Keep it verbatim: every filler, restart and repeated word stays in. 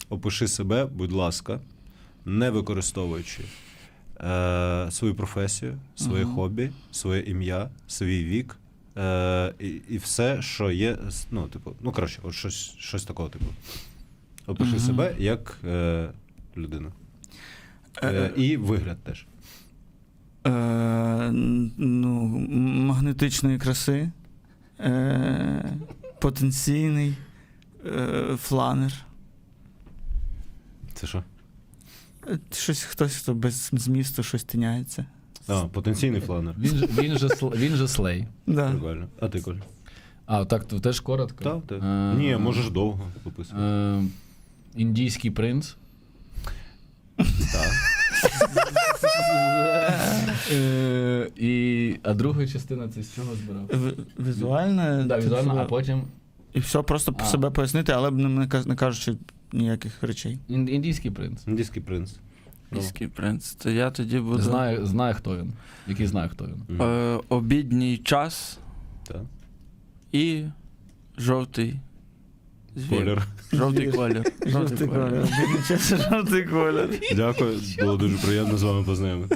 Опиши себе, будь ласка, не використовуючи е, свою професію, своє Мгм. хобі, своє ім'я, свій вік е, і, і все, що є, ну, типу, ну, коротше, от щось, щось такого типу. Опиши Мгм. себе як е, людину. Е, і вигляд теж. Е, н- ну, м- магнетичної краси, е, потенційний е, фланер. Це що? Е, Щось, хтось, хто без змісту щось тиняється. А, потенційний фланер. Він, же- він, же, сл- він же слей. Да. Прикольно. А ти, Коль? А, так, то теж коротко. Так, ти. Е, Ні, можеш довго описувати. Е, індійський принц. Так. Е, і, а друга частина це з чого збирав? В- Візуальне. Да, візуально, це- а потім І все, просто А. себе пояснити, але не, не каж- не кажучи ніяких речей. ін- індійський принц. Індійський принц. Міський принц. То я тоді буду. Знає, знає, хто він. Який знає, хто він. Мгм. Е, обідній час Так. і жовтий звір. Колір. Жовтий колір. Жовтий колір. Жовтий колір. Дякую, було дуже приємно з вами познайомитися.